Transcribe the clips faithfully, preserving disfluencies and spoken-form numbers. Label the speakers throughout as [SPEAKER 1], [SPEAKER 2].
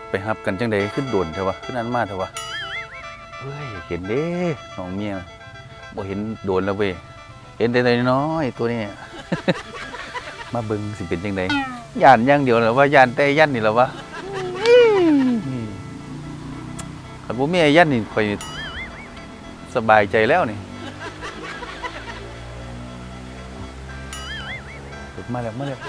[SPEAKER 1] ไปฮับกันจังใดขึ้นโดนเถอะวะขึ้นนั้นมาเถอะวะเฮ้ยเห็นเด้น้องเมียบ่เห็นโดนแล้วเว้ยเห็นแต่น้อยตัวนี้ มาเบิ่งสิเป็นจังใดย่านอย่างเดียวเหรอว่าย่านแต่ยันนี่เหรอวะคันบ่มีไอ้ยันนี่ค่อยสบายใจแล้วนี่มาแล้วมาแล้ว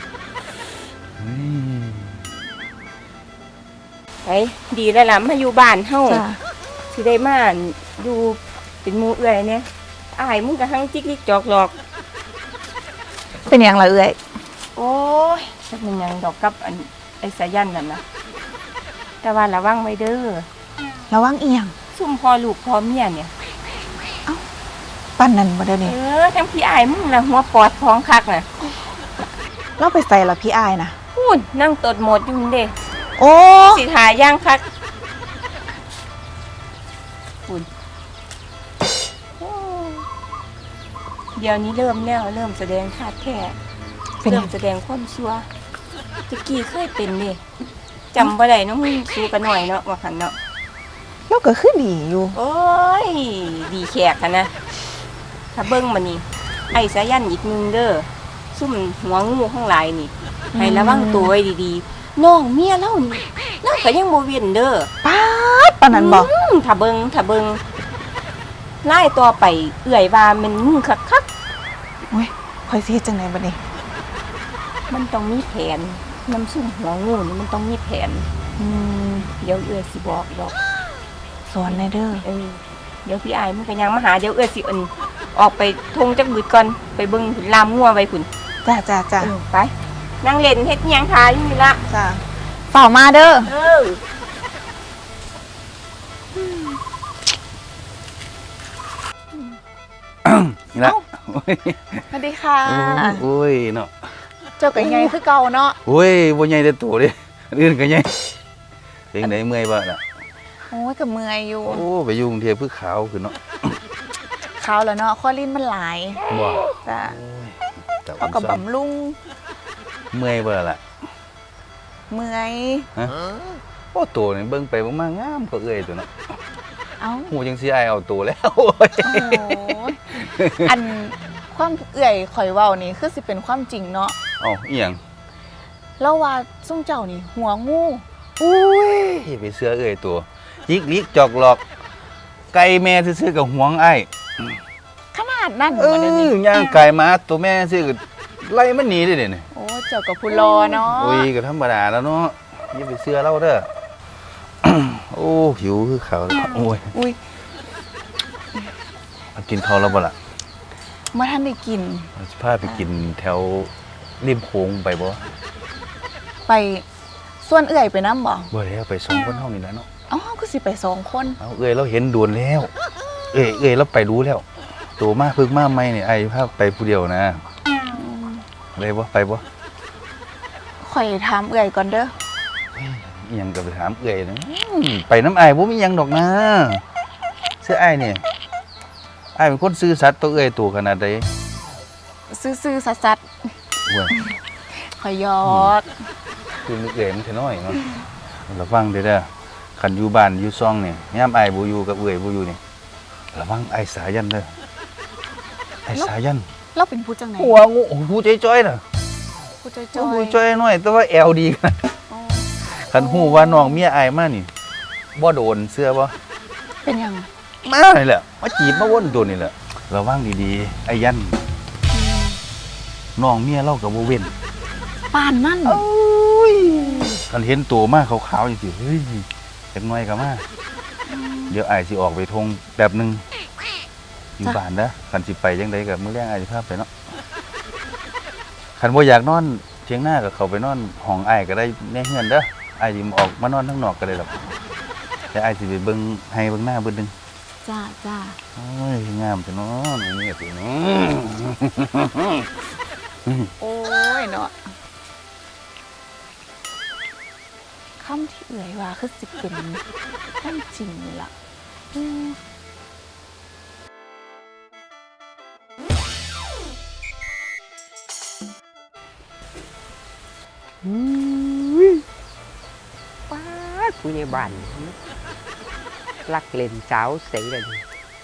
[SPEAKER 2] ไปดีแล้วล่ะมาอยู่บ้านเฮาสิได้มาอยู่เป็นหมู่เอื้อยเนี่ยอ้ายมึงก็หังจิกลิกจอกหลอก
[SPEAKER 3] เป็นหยังล่ะเอื้อย
[SPEAKER 2] โอ้ยจักมันหยังดอกกับอันไอ้สายันนั่นน่ะแต่ว่าระวังไว้เด้อ
[SPEAKER 3] ระวังอีหยัง
[SPEAKER 2] ซุ่มพ่อลูกพ่อเมียเนี่ย
[SPEAKER 3] เอ้าปั้นนั่นบ่ได้นี่
[SPEAKER 2] เออทั้งพี่อ้ายมึงน่ะหัวปอดท้องคักน่ะ
[SPEAKER 3] เราไปใส่ล่ะพี่อ้ายน่ะ
[SPEAKER 2] พูนนั่งตดหมดอยู่เด้
[SPEAKER 3] โอ้
[SPEAKER 2] สิทาย่างคักพูนเดี๋ยวนี้เริ่มแล้วเริ่มแสดงธาตุแท้เริ่มแสดงความชั่วตะกี้เคยเป็นนี่จำบ่ได้เนาะมึงสู้กันหน่อยเนาะว่าหั่นเนาะ
[SPEAKER 3] เราก็คือดีอยู่
[SPEAKER 2] โอ้ยดีแขกกันนะถ้าเบิ่งมานี่ไอ้สายันอีกนึงเด้อซุ่มหัวงูข้างหลายนี่ให้ระวังตัวไว้ดีๆน้องเมียเล่านี่เล่าก็ยังบ่เว้นเด้อ
[SPEAKER 3] ป๊าดปานนั้นบ่
[SPEAKER 2] ถ้าเบิ่งถ้าเบิ่งไล่ต่อไปเอื้อยว่ามันงูคัก
[SPEAKER 3] ๆโอ้ยค่อยสิเฮ็ดจังได๋บัดนี้
[SPEAKER 2] มันต้องมีแผนน้ำซุ่มหัวงูนี่มันต้องมีแผน
[SPEAKER 3] อืม
[SPEAKER 2] เดี๋ยวเอื้อยสิบอกดอก
[SPEAKER 3] สอนในเด้อ
[SPEAKER 2] เออเดี๋ยวพี่อายมันก็ยังมาหาเดี๋ยวเอื้อยสิอันออกไปทงจักบึดก่อนไปเบิ่งลามงัวไว้พุ่น
[SPEAKER 3] จ้าจ้าจ้า
[SPEAKER 2] ไปนั่งเล่นเฮ็ดหยังทาอยู่นี่ละ
[SPEAKER 3] จ้าเฝ้ามาเด้อ
[SPEAKER 2] เออ
[SPEAKER 1] นี่ละ
[SPEAKER 3] สวัสดีค่ะ
[SPEAKER 1] โอ้ยเนาะ
[SPEAKER 3] เจ้าก็ใหญ่คือเก่าเนาะ
[SPEAKER 1] โอ้ยบ่ใหญ่แต่ตัวเด้อื่นก็ใหญ่เพลงไหนเมื่อยบ่ล่ะ
[SPEAKER 3] โอ้ยก็เมื่อยอยู่
[SPEAKER 1] โอ้ไปอยู่กรุงเทพคือขาวขึ้นเนาะ
[SPEAKER 3] ขาวแล้วเนาะคอลิ้นมันหลาย
[SPEAKER 1] บ่
[SPEAKER 3] จ้าเขาก็บำรุง
[SPEAKER 1] เมื่อยบ่ล่ะ
[SPEAKER 3] เมื่อย
[SPEAKER 1] ฮะโอ้ตัวนี่เบิ่งไปเบิ่งมางามก็เอื้อยตัวเนาะ
[SPEAKER 3] เอ้า
[SPEAKER 1] หูจังสิอายเอาตัวแล้วโอ้ย
[SPEAKER 3] อันความเอื้อยข่อยเว้านี่คือสิเป็นความจริงเนาะ
[SPEAKER 1] เอ้าอีหยัง
[SPEAKER 3] แล้วว่าซุ่มเจ้านี่หัวงู
[SPEAKER 1] อุ้ยไปเสื้อเอื้อยตัวจิกลิกจอกหลอกไก่แม่ซื่อๆกับหวงอ้าย
[SPEAKER 3] ขนาดนั้น
[SPEAKER 1] บ่ได้นี่ย่างไก่มาตัวแม่ซื่อก็ไล่มันหนีได้เด้นี่
[SPEAKER 3] โอ้เจ้ากับผู้รอเนาะ
[SPEAKER 1] โอ้ยก็ธรรมดาแล้วเนาะอย่าไปเสื้อเราเด้อโอ้หิวคือเขาโอ้ย
[SPEAKER 3] อุ้ย
[SPEAKER 1] กินข้าวแล้วบ่ล่ะ
[SPEAKER 3] มาท่านได้กิน
[SPEAKER 1] พาไปกินแถวริมโขงไปบ่
[SPEAKER 3] ไปส่วนเอื้อยไปน้ำบ่
[SPEAKER 1] บ่แล้วไปสองคนเท่านี้แหละเนาะ
[SPEAKER 3] อ๋อก็สิไปสองคน
[SPEAKER 1] เอาเอื้อยเราเห็นด่วนแล้วเอ้ยเอ้ยเราไปรู้แล้วตัวมาพึ่งมาใหม่นี่ไอ้พาไปผู้เดียวนะอะไรบ่ไปบ่
[SPEAKER 3] ข่อยถามเอื้อยก่อนเด้อ
[SPEAKER 1] อีหยังก็ไปถามเอื้อยนะไปน้ำอ้ายบ่มีหยังดอกนะเสื้ออ้ายนี่อ้ายเป็นคนซื่อสัตย์ต่อเอื้อยตัวขนาดใด
[SPEAKER 3] ซื่อๆสัตย์
[SPEAKER 1] ๆโอ้ย
[SPEAKER 3] ข่อยหยอก
[SPEAKER 1] คือเอื้อยมันแค่น้อยเนาะระวังเด้อเด้อคันอยู่บ้านอยู่ซ่องนี่ยามอ้ายบ่อยู่กับเอื้อยบ่อยู่นี่ระวังไอ้สายันเด้อไอ้สายัน
[SPEAKER 3] เราเป็นผู้จังไหน
[SPEAKER 1] หัวงูผู้จ้อยๆน่ะ
[SPEAKER 3] ผู้จ้อยๆ
[SPEAKER 1] ผู้จ้อยน้อยแต่ว่าแอวดีกันคันฮู้ว่าน้องเมียอ้ายมานี่บ่โดนเสื้อบ่
[SPEAKER 3] เป็นหยัง
[SPEAKER 1] มานี่แหละมาจีบมาวนโดนนี่แหละระวังดีๆไอ้ยันน้องเมียเราก็บ่เว้น
[SPEAKER 3] ปานนั่น
[SPEAKER 1] โอ้ยคันเห็นตัวมาขาวๆจังซี่เฮ้ยจักหน่อยก็มาเดี๋ยวอ้ายสิออกไปทงแป๊บนึงอยู่บ้านเด้อคันสิไปจังได๋ก็มื้อแลงอ้ายสิพาไปเนาะคันบ่อยากนอนเถียงหน้าก็เข้าไปนอนห้องอ้ายก็ได้ในเฮือนเด้ออ้ายสิออกมานอนข้างนอกก็ได้ดอกแต่อ้ายสิไปเบิ่งให้เบิ่งหน้าเบิ่งนึง
[SPEAKER 3] จ้าจ้า
[SPEAKER 1] โอ้ยงามจังเนาะนี่สิเนาะ
[SPEAKER 3] โอ้ยเนาะคำที่เอื้อยว่าคือสิเป็นคำจริงนี่ล่ะ
[SPEAKER 1] อืมป้า
[SPEAKER 4] ผู้ใหญ่บ้านรักเล่นสาวเสียเลย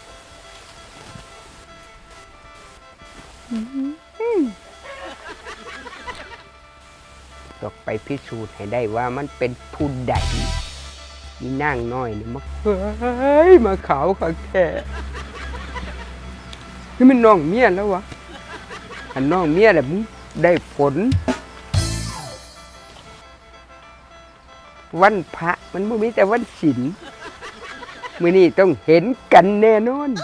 [SPEAKER 4] ต้องไปพิสูจน์ให้ได้ว่ามันเป็นผู้ใดนี่นั่งน้อยนี่มาเฮ้ยมาขาวขักแท้นี่มันน้องเมียแล้ววะอันน้องเมียแหละมึงได้ผลวันพระมันไม่มีแต่วันศีลมื้อนี้ต้องเห็นกันแน่นอน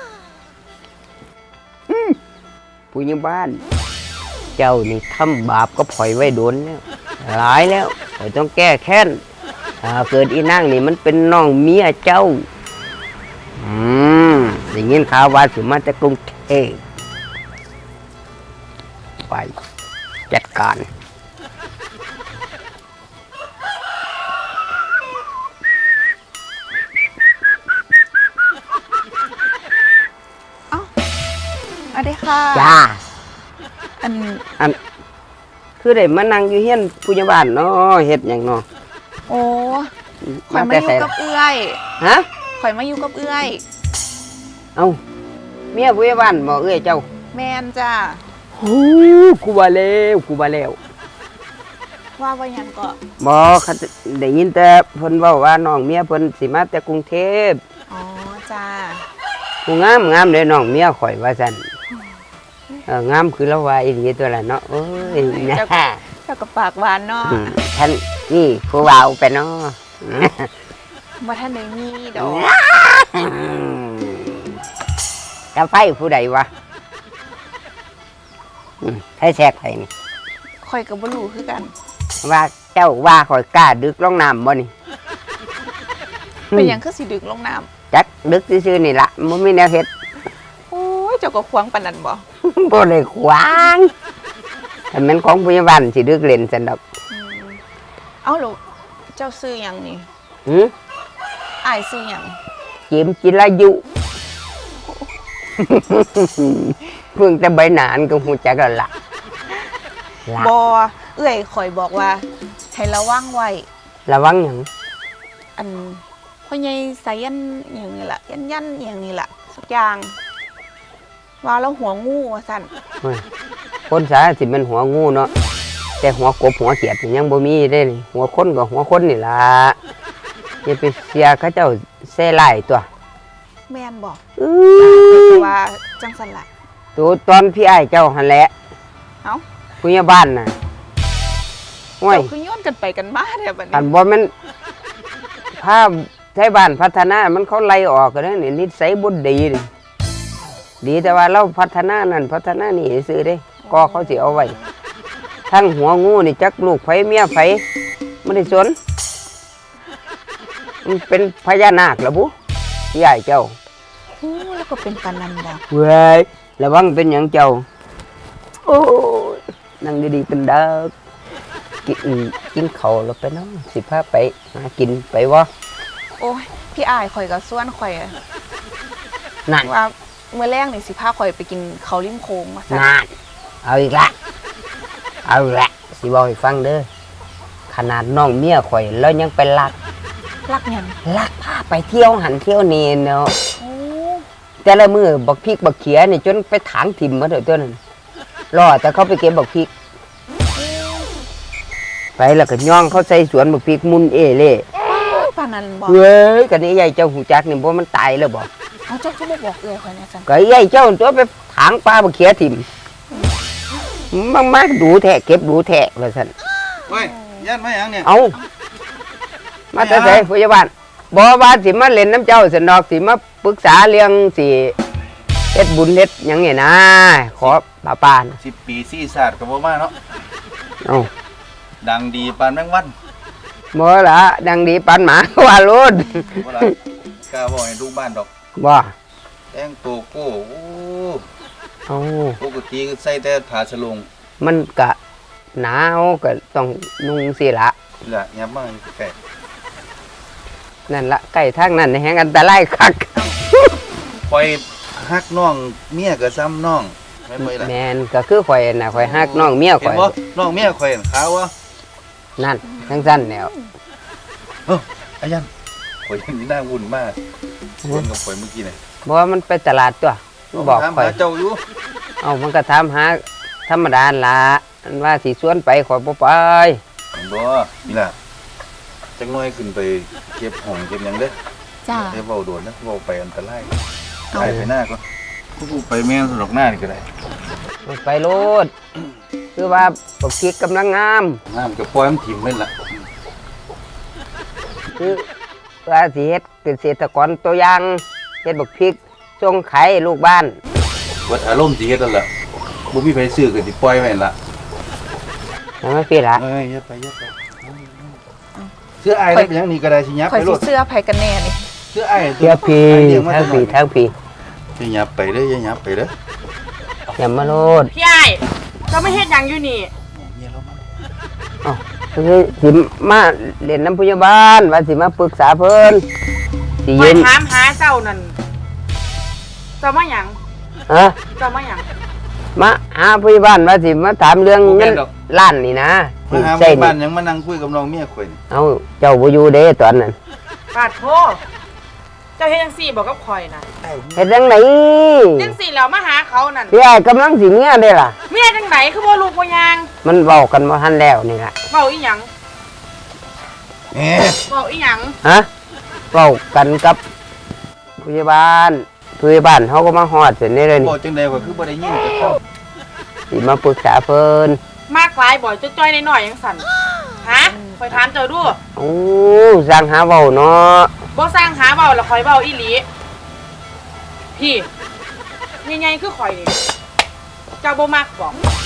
[SPEAKER 4] ผู้ใหญ่บ้านเจ้านี่ทำบาปก็ปล่อยไว้โดนแล้วหลายแล้วข่อยต้องแก้แค้นถ้าเกิดอีนางนี่มันเป็นน้องเมียเจ้าอืมอย่างงี้ข่าวว่าสิมาจากกรุงเทพไปจัดการ
[SPEAKER 3] สวัสดีค่ะ
[SPEAKER 4] จ้า
[SPEAKER 3] อัน
[SPEAKER 4] อันคือได้มานั่งอยู่เฮียนผู้ใหญ่บ้านเนาะเฮ็ดหยังเนาะ
[SPEAKER 3] โอ้ข่อยมาอยู่กับเอื้อย
[SPEAKER 4] ฮะ
[SPEAKER 3] ข่อยมาอยู่กับเอื้อย
[SPEAKER 4] เอ้าเมียผู้ใหญ่บ้านบ่เอ้ยเจ้า
[SPEAKER 3] แมนจ้า
[SPEAKER 4] ฮู้กูว่าแล้วกูว่าแล้ว
[SPEAKER 3] ว่าว่าหยังก็
[SPEAKER 4] บ่คันได้ยินแต่เพิ่นเว้าว่าน้องเมียเพิ่นสิมาแต่กรุงเทพ
[SPEAKER 3] อ๋อจ้า
[SPEAKER 4] ผู้งามงามเด้น้องเมียข่อยว่าซั่นเอองามคือละว่าอีหลีตัวละเนาะโอ้ยนะ
[SPEAKER 3] เจ้ากับปากหวานเนาะ
[SPEAKER 4] อืมท่านนี่ผู้เว้าไปเนาะ
[SPEAKER 3] บ่ท่านได้มีดอก
[SPEAKER 4] กาไฟผู้ใดวะอืมให้แซกไผนี่
[SPEAKER 3] ข่อยก็บ่รู้คือกัน
[SPEAKER 4] ว่าเจ้าว่าข่อยกล้าดึกลงน้ำบ่นี่
[SPEAKER 3] เป็นหยังคือสิดึกลงน้ำ
[SPEAKER 4] จักดึกซื่อๆนี่ล่ะบ่มีแนวเฮ็ด
[SPEAKER 3] โอ้ยเจ้าก็ควงปานนั้นบ่
[SPEAKER 4] บ่ได้ขวางถ้าแม่นของผู้ใหญ่บ้านสิดึกเล่นซั่นดอก
[SPEAKER 3] อืมเอ้าแล้วเจ้าซื้อหยังนี่
[SPEAKER 4] หือ
[SPEAKER 3] อ้ายซื้อหยัง
[SPEAKER 4] จิมจิรายุ เพิ่งแต่ใบหนานก็ฮู้จักแล้วล่ะล่ะ
[SPEAKER 3] บ่เอื้อยข่อยบอกว่าให้ระวังไว้
[SPEAKER 4] ระวังหยัง
[SPEAKER 3] อันพ่อใหญ่สายันอหย่างนี้ล่ะยันยันอหย่างนี้ล่ะสักอย่างว่าแล้วหัวงูว่าสั่น
[SPEAKER 4] เฮ้ยคนสาสิเป็นหัวงูเนาะแต่หัวกบหัวเขียดนี่ยังบ่มีเด้นี่หัวคนก็หัวคนนี่ล่ะอย่าไปเสียเขาเจ้าแซ่ไล่ตัว
[SPEAKER 3] แม่นบอก
[SPEAKER 4] อื้
[SPEAKER 3] แต่
[SPEAKER 4] อ
[SPEAKER 3] ว่าจังสันละ
[SPEAKER 4] ตัวตอนพี่อ้ายเจ้าหั่นแหละ
[SPEAKER 3] เอ้า
[SPEAKER 4] ผู้ใหญ่บ้านน่ะห้วย
[SPEAKER 3] เจ้าคือโย้อนกันไปกันมาแท้บัด
[SPEAKER 4] อั
[SPEAKER 3] นี้
[SPEAKER 4] นบ่แม่นภาพไทยบ้านพัฒนามันเขาไล่ออกกันแล้วนี่นิสัยบ่ดีนี่ดีแต่ว่าเราพัฒนานั่นพัฒนานี่ซื้อเด้ก็เขาสิเอาไว้ทั้งหัวงูนี่จักลูกไผเมียไผไม่ได้สนมันเป็นพญานาคล่ะบุพี่อ้ายเจ้า
[SPEAKER 3] โอ้แล้วก็เป็นปานนั้นบ่
[SPEAKER 4] เว้ยระวังเป็นหยังเจ้าโอ้ยนั่งดีๆเป็นเด็กกินกินข้าวแล้วไปเนาะสิพาไปหากินไปวะ
[SPEAKER 3] โอ้ยพี่อ้ายข่อยก็ส่วนข่อยอะ
[SPEAKER 4] นั่น
[SPEAKER 3] ว่าเมื่อแรกนี่สิพาข่อยไปกินข้าวริมโค้งว่าซั่น
[SPEAKER 4] นั่นเอาอีกละเอาอีกละสิบอกให้ฟังเด้อขนาดน้องเมียข่อยแล้วยังไปลัก
[SPEAKER 3] รักหยัง
[SPEAKER 4] ลักพาไปเที่ยวหันเที่ยวนี่เนาะ
[SPEAKER 3] โอ้
[SPEAKER 4] แต่ละมือบักพริกบักเขียนี่จนไปถางถิ่มมาเถอะตัวนั้นรอแต่เขาไปเก็บบักพริกไปแล้วก็ย่องเขาใส่สวนบักพริกมุนเอเล่
[SPEAKER 3] ปานนั้นบ่
[SPEAKER 4] เว้ยกันนี้ใหญ่เจ้าหูจักนี่บ่มันตายแล้วบ่
[SPEAKER 3] เอาเจ้าคือบ่บอกเอื้อยข่อยแหน่ซั่น
[SPEAKER 4] ก็ใหญ่เจ้าตัวไปถางปลาบักเขียถิ่มมันมาดูแทะเก็บดูแทะว่าซั่น
[SPEAKER 1] เฮ้ยยันมาหยังเนี่ย
[SPEAKER 4] เอามาแต่ไสผู้ใหญ่บ้านบ่ว่าสิมาเล่นน้ำเจ้าสนดอกสิมาปรึกษาเรื่องสิเฮ็ดบุญเฮ็ดหยังนี่นะขอป้าปาน
[SPEAKER 1] สิบปีซี่ศาสตร์ก็บ่มาเนาะ
[SPEAKER 4] เอา
[SPEAKER 1] ดังดีปานแมงวัน
[SPEAKER 4] บ่ล่ะดังดีปานหมาว่าโลด
[SPEAKER 1] บ่ล่ะกล้าบอกให้ลูกบ้านดอก
[SPEAKER 4] บ่
[SPEAKER 1] แต่งตัวโก้โอ้
[SPEAKER 4] เอา
[SPEAKER 1] ปกติก็ใส่แต่ผ้าสลง
[SPEAKER 4] มันก็หนาวก็ต้องนุ่งสิละ
[SPEAKER 1] นี่ล่ะยับมาแก่
[SPEAKER 4] นั่นละใกล้ทางนั้นแฮงอันตรายคัก
[SPEAKER 1] คอยฮักน้องเมียก็ซ้ำน้องแม่นบ่ล่ะ
[SPEAKER 4] แม่นก็คือข่อยน่ะข่อยฮักน้องเมีย
[SPEAKER 1] เห็
[SPEAKER 4] ข่อน ย
[SPEAKER 1] บ่น้องเมียข่อยขาววะ
[SPEAKER 4] นั่นจังซั่นแนว
[SPEAKER 1] เอ้าอายันข่อยยังนี่น่าวุ่นมากเล่นกับข่อยเมื่อกี้น่ะ
[SPEAKER 4] บ่ว่ามันไปตลาดตัวมันบอก
[SPEAKER 1] ถาม
[SPEAKER 4] ข่อย
[SPEAKER 1] หาเจ้าอยู่
[SPEAKER 4] เอามันก็ถามหาธรรมดาล่ะอันว่าสิชวนไปข่อยบ่ไป
[SPEAKER 1] บ่นี่ล่ะจังน้อยขึ้นไปเก็บห้องเก็บหยังเด้อ
[SPEAKER 3] จ้า
[SPEAKER 1] เดี๋ยวเว้าโดนนะเว้าไปอันตราย
[SPEAKER 3] เอา
[SPEAKER 1] ไปไปหน้าก่อนกูไปแม่นสนอกหน้านี่ก็ได้
[SPEAKER 4] มันไปโลดคือว่าบักพริกกำลังงาม
[SPEAKER 1] น้ำกับปล่อยมันถิ่มเล่นล่ะ
[SPEAKER 4] คือว่าสิเฮ็ดเกษตรกรตัวอย่างเฮ็ดบักพริกส่งขายให้ลูกบ้าน
[SPEAKER 1] วัดอารมณ์สิเฮ็ดนั่นล่ะบ่มีไผซื้อก็สิปล่อยไว้นั่นล่ะ
[SPEAKER 4] ทำไมพี่ล่ะ
[SPEAKER 1] เอ้ยอย่าไปอย่าไปเสื้อไอ้ได้เป็นหยังนี่ก็ได้สิยับ
[SPEAKER 3] ข่อ
[SPEAKER 1] ไป
[SPEAKER 3] ย
[SPEAKER 1] โล
[SPEAKER 3] สิ
[SPEAKER 1] ด
[SPEAKER 3] เสื้อไผกันแน่นี่
[SPEAKER 1] เสื้อไอ้
[SPEAKER 4] เที่ยวพี่
[SPEAKER 1] เลี้ยงมา
[SPEAKER 4] ทั้ง
[SPEAKER 1] แต่น้อ
[SPEAKER 4] พี่
[SPEAKER 1] ย
[SPEAKER 4] ทั้งพี่
[SPEAKER 1] สิยับไปเด้ออย่ายับไปเด้อ
[SPEAKER 4] อย่ามาโลด
[SPEAKER 2] พี่ไอ้ก็ไม่เฮ็ดหยังอยู่นี่
[SPEAKER 1] เมียเรามา
[SPEAKER 4] เอ้าคือสิมาเล่นน้ำพยาบาลว่าสิมาปรึกษาเพิ่นสิ
[SPEAKER 2] คอ
[SPEAKER 4] ยื
[SPEAKER 2] ย
[SPEAKER 4] น
[SPEAKER 2] ถามหาเจ้านั่นเจ้ามาหยัง
[SPEAKER 4] ฮะ
[SPEAKER 2] เจ้ามาหยัง
[SPEAKER 4] มาหาพยาบาลว่าสิมาถามเรื่องเงินล้านนี่นะ
[SPEAKER 1] มา
[SPEAKER 4] สิ
[SPEAKER 1] หา
[SPEAKER 4] ใช่
[SPEAKER 1] บ้า
[SPEAKER 4] นี่
[SPEAKER 1] นหยังมานั่งคุยกับน้องเมียข่อยนี่
[SPEAKER 4] เอาเจ้าบ่อยู่เด้ตอนนั้น
[SPEAKER 2] ปาดโทเจ้าเฮ็ดจังซี่บอกกับข่อยน่ะ
[SPEAKER 4] เฮ็ดจังได
[SPEAKER 2] จังซี่แล้วมาหาเขานั่น
[SPEAKER 4] พี่ไอ้กำลังสิเมียได้ล่ะ
[SPEAKER 2] เมียจังไหนคือบ่ลูกบ่ยาง
[SPEAKER 4] มันเว้ากันบ่ทันแล้วนี่ล่ะ
[SPEAKER 2] เว้าอีหยัง
[SPEAKER 1] เอ๊ะ
[SPEAKER 2] เว้าอีหยัง
[SPEAKER 4] ฮะเว้ากันกับพยาบาลพยาบาลเขาก็มาฮอดเสร็จนี่เลย
[SPEAKER 1] บ
[SPEAKER 4] นี่
[SPEAKER 1] อกจังได๋ว่าคือบ่ได้ยินกับเขา
[SPEAKER 4] สิมาปรึกษาเพิ่น
[SPEAKER 2] มากหลายบ่อยจ้อยๆน้อยๆจังสั่นฮะข่อยถามเจ้าดู
[SPEAKER 4] โอ้สร้างหาเว้าเนาะ
[SPEAKER 2] บ่สร้างหาเว้าแล้วข่อยเว้าอีหลีพี่ใหญ่ๆคือข่อยนี่เจ้าบ่มักบ่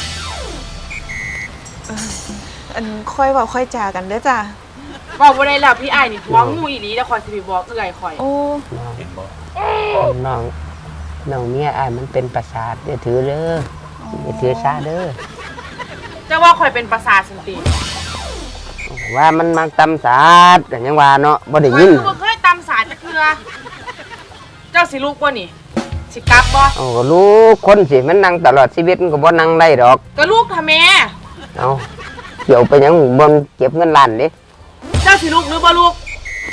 [SPEAKER 3] อันค่อยเว้าค่อยจากันเด้อจ้า
[SPEAKER 2] เว้าบ่ได้แล้วพี่อ้ายนี่หัวงูอีหลีแล้วข่อยสิไปบอกเอื้อยข่อย
[SPEAKER 3] โอ้
[SPEAKER 1] เห็นบ่
[SPEAKER 4] น้องน้องเมียอ้ายมันเป็นประสาทอย่าถือเด้ออย่าถือซาเด้อ
[SPEAKER 2] เจ้าว่าข่อยเป็นประสาทสันติ
[SPEAKER 4] ว่ามันมักตำสาดกันยังว่าเนาะบ่ได้
[SPEAKER 2] ข่อย
[SPEAKER 4] ยิน
[SPEAKER 2] คือบ่เคยตำสาดจักเทื่อเจ้าสิลูกบ่นี่สิกลับบ่
[SPEAKER 4] เอาก็รู้คนสิมันนั่งตลอดชีวิตมันก็บ่นั่งได้ดอก
[SPEAKER 2] ก็ลูกทำแม่
[SPEAKER 4] เอาเกี่ยวไปหยังบ่นเก็บเงินล้านเด้
[SPEAKER 2] เจ้าสิลูกหรือบ่ลูก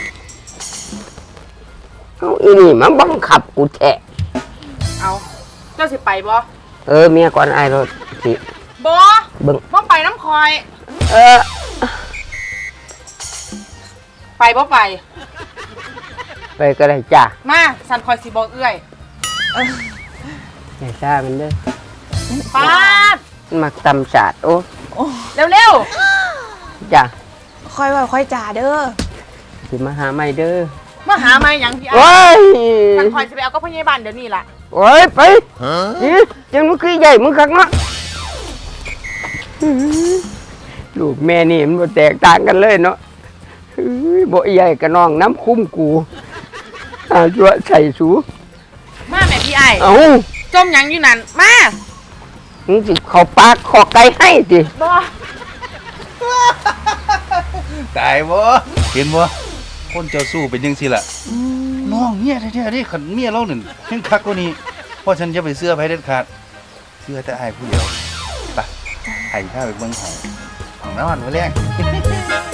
[SPEAKER 4] เอาอีนี่มันบังคับกูแท้
[SPEAKER 2] เอาเจ้าสิไปบ่
[SPEAKER 4] เออเมียก่อนอ้ายรถสิ
[SPEAKER 2] บ่
[SPEAKER 4] เบิ่ง
[SPEAKER 2] บ่ไปน้ำคอย
[SPEAKER 4] เออ
[SPEAKER 2] ไปบ่ไป
[SPEAKER 4] ไปก็ได้จ้า
[SPEAKER 2] มาสันคอยสิบอกเอื้อย
[SPEAKER 4] อย่าซ่ามันเด้อ
[SPEAKER 2] ปาด
[SPEAKER 4] มันมักตำสาดโอ้
[SPEAKER 2] เร็ว
[SPEAKER 4] จ้า
[SPEAKER 3] ค่อยเว้าค่อยจาเด้อ
[SPEAKER 4] สิมาหาใหม่เด้อ
[SPEAKER 2] ๆมาหามาหยังพี่อ้า
[SPEAKER 4] โอ้
[SPEAKER 2] ย
[SPEAKER 4] ย
[SPEAKER 2] สันคอยสิไปเอากับพยาบาลเดี๋ยวนี้ล่ะ
[SPEAKER 4] โอ้ยไปนี่จังมันคือใหญ่มึงคักเนาะอื้อลูกแม่นี่มันบ่แตกต่างกันเลยเนาะอื้อบ่ใหญ่กับน้องน้ำคุ้มกูอาจัวใส่สู
[SPEAKER 2] มาแม่พี่อ้าย
[SPEAKER 4] เอ้า
[SPEAKER 2] จมหยังอยู่นั่นมา
[SPEAKER 4] มึงสิเข้าปากขอไก่ให้ติ
[SPEAKER 2] บ่
[SPEAKER 1] ตายบ่เห็นบ่คนเจ้าสู้เป็นจังซี่ล่ะน้องเมียแท้ๆนี่คันเมียเรานั่นแห่งคักกว่านี้เพราะฉันจะไปเสื้อไผเด็ดขาดเสื้อแต่อ้ายผู้เดียวไปไอ้ข้าไปเบิ่งห้องห้องนอนมื้อแรก